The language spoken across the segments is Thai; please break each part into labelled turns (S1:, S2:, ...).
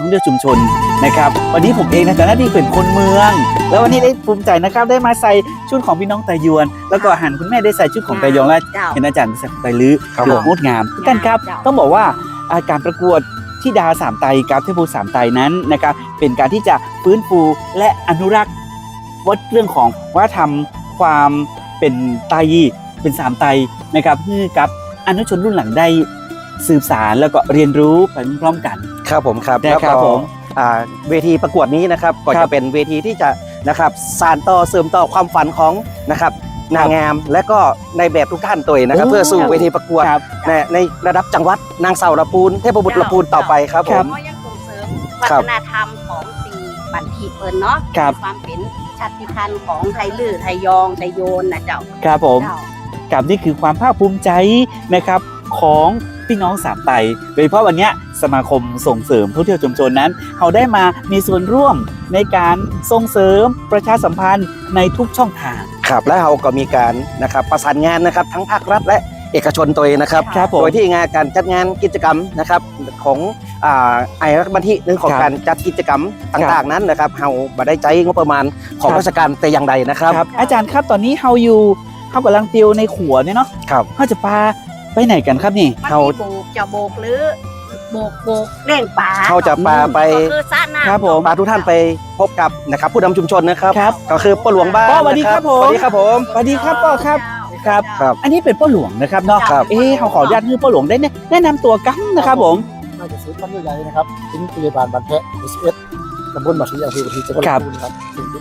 S1: องเที่ยวชุมชนนะครับวันนี้ผมเองในฐานะที่เป็นคนเมือง แล้ววันนี้ได้ภูมิใจนะครับได้มาใส่ชุดของพี่น้องไตยวน แล้วก็หันคุณแม่ได้ใส่ชุดของไตยองและเห็นอาจารย์ใส่ของไตลื้อถืองดงามกันครับต้องบอกว่าการประกวดธิดาสามไตกับเทพบุตรสามไตนั้นนะครับเป็นการที่จะฟื้นฟูและอนุรักษ์วัดเรื่องของวัฒนธรรมความเป็นไตเป็นสามไตนะครับเพื่อกับอนุชนรุ่นหลังได้สืบสารแล้วก็เรียนรู้ไปพร้อมกัน
S2: ครับผมครับ
S1: ได้ครับผม
S2: เวทีประกวดนี้นะครับก็จะเป็นเวทีที่จะนะครับสานต่อเสริมต่อความฝันของนะครับนางงามและก็ในแบบทุกท่านตัวเองนะครับเพื่อสู่เวทีประกวดในระดับจังหวัดนางสาวลำพูนเทพบุตรลำพูนต่อไปครับผม
S3: ก็ยังส่งเสริมวัฒนธรรมของตีบันทีเปิลเนาะความเป็นชาติพันธุ์ของไทยลื้อไทยยองไทยโยนนะเจ้า
S1: ครับผมกับนี่คือความภาคภูมิใจนะครับของพี่น้องสามไตโดยเฉพาะวันนี้สมาคมส่งเสริมท่องเที่ยวชุมชนนั้นเขาได้มามีส่วนร่วมในการส่งเสริมประชาสัมพันธ์ในทุกช่องทาง
S2: ครับและเราก็มีการนะครับประสานงานนะครับทั้งภาครัฐและเอกชนตัวเองนะครับโดยที่งานการจัดงานกิจกรรมนะครับของไอรักบันทีหนึ่งของการจัดกิจกรรมต่างๆนั้นนะครับเราบ่ได้ใจงบประมาณของราชการแต่อย่างใดนะครับ
S1: อาจารย์ครับตอนนี้เขากำลังติวในขัวเนี่ยเนาะเขาจะพาไปไหนกันครับนี่
S3: เขาจะโบกหรือโบกเล่นป่า
S2: เขาจะปาไป
S3: คือซะหน้า
S1: ครับผม
S2: ปาทุกท่านไปพบกับนะครับผู้นำชุมชนนะครับก็คือป้าหลวงบ้าน
S1: สวัสดีครับผม
S2: สวัสดีครับผม
S1: สวัสดีครับป้าครับอันนี้เป็นป้าหลวงนะครับเนาะเขาขออนุญาตให้ป้าหลวงได้แนะนำตัวกันนะครับผม
S4: น่าจะซื้อตั้งใหญ่ๆนะครับเป็นพยาบาลบางแพะ11ตำบลบางทีอำเภอบางทีจังหวัดลำพูนครับถึงเป็น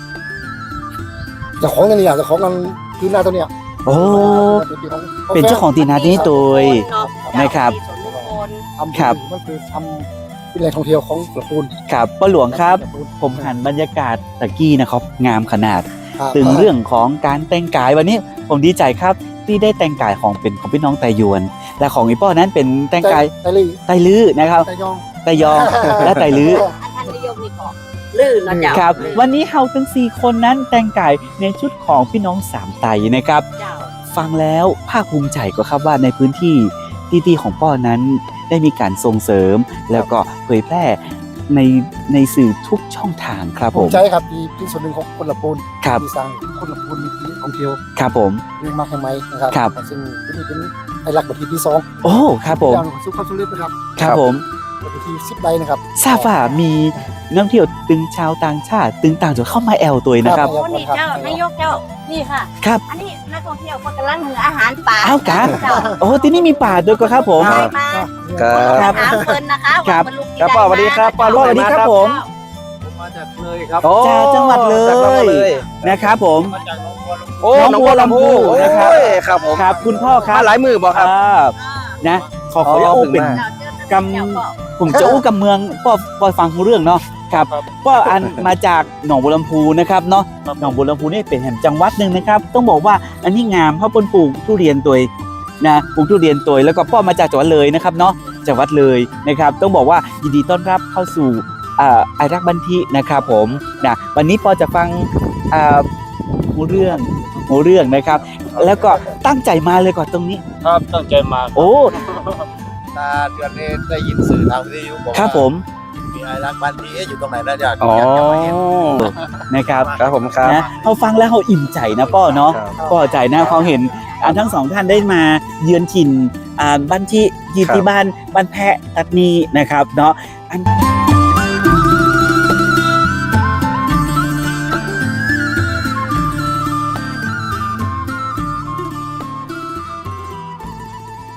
S4: เจ้าของนี่เจ้าของงานที่หน้าตัวเนี้ย
S1: โอ้เป็นเจ้าของตีนาที่ตัวนะครับ
S4: ครับมันคือทำเป็นแหล่งท่องเที่ยวของลำพูน
S1: ครับป้าหลวงครับผมหันบรรยากาศตะกี้นะครับงามขนาดถึงเรื่องของการแต่งกายวันนี้ผมดีใจครับที่ได้แต่งกายของเป็นของพี่น้องไตยวนและของอีป้อนั้นเป็นแต่งกายไตลื้อนะครับไตยองและไตลื้อ
S3: ท่านนิยมนี่ก็ลื่นนะเจ้า
S1: ครับวันนี้เฮาทั้ง4คนนั้นแต่งกายในชุดของพี่น้องสามไตนะครับฟังแล้วภาคภูมิใจก็ครับว่าในพื้นที่ที่ของป้อนั้นได้มีการส่งเสริมแล้วก็เผยแพร่ในสื่อทุกช่องทางครับผม
S4: ใช่ครับที่ส่วนหนึ่งของคนลำพูนที่สร้างคนลำพูนมีที่ท่องเที่ยว
S1: ครับผม
S4: เรื่องมากแค่ไหมนะครับซึ่งที่นี่เป็นไอรักบันทีที่2
S1: โอ้ครับผม
S4: สุขภาพสุรินทร์นะครับ
S1: ครับผม
S4: บันที10 ใบนะครับ
S1: ทราบว่ามีนักท่องเที่ยวตึงชาวต่างชาติตึงต่างจังหวัดเข้ามาแอลตัวนะครับ
S3: คนนี้เจ้านายกเจ้านี่ค่ะ
S1: ครับ
S3: อันนี้นักท่องเที่ยวกำลังหาอาหารป่า
S1: อ้าวกะโอ้ที่นี่มีป่าด้วยก็ครับผม
S3: ครับถามเพิ่นนะคะว่า
S2: บรรลุครับสวัสดีครับป้าสวัสดีครับ
S1: ผม
S4: มาจากเลยครับ
S1: จากจังหวัดเลยนะครับผม
S2: โอ้หนองบัวลำพู
S1: นะครับ
S2: ครับผม
S1: ครับคุณพ่อครับ
S2: หลายมือบอกครับ
S1: นะขออู้เป็นกำผมจะอู้กำเมืองป้อฟังเรื่องเนาะครับป้ออันมาจากหนองบัวลำพูนะครับเนาะหนองบัวลำพูนี่เป็นแห่งจังหวัดหนึ่งนะครับต้องบอกว่าอันนี้งามเพราะปลูกทุเรียนตัวนะปลูกทุเรียนตัวแล้วก็ป้อมาจากจังหวัดเลยนะครับเนาะจังหวัดเลยนะครับต้องบอกว่ายินดีต้อนรับเข้าสู่ไอรักบันทีนะครับผมนะวันนี้ปอจะฟังหูเรื่องนะครับแล้วก็ตั้งใจมาเลยก่อนตรงนี้
S4: ครับตั้งใจมา
S1: โอ้
S4: ตาเดือนนี้ได้ยินสื่อทางวิทยุบอก
S1: ครับผม
S4: มีไอรักบันทีอยู่ตรงไหนนะอยาก
S1: มาเห็นนะครับ
S2: ครับผมครับ
S1: นะเขาฟังแล้วเขาอิ่มใจนะป้อเนาะป้อใจนะเขาเห็นทั้งสองท่านได้มาเยือนถิ่นบ้านที่บ้านแพะตัดนีนะครับเนาะ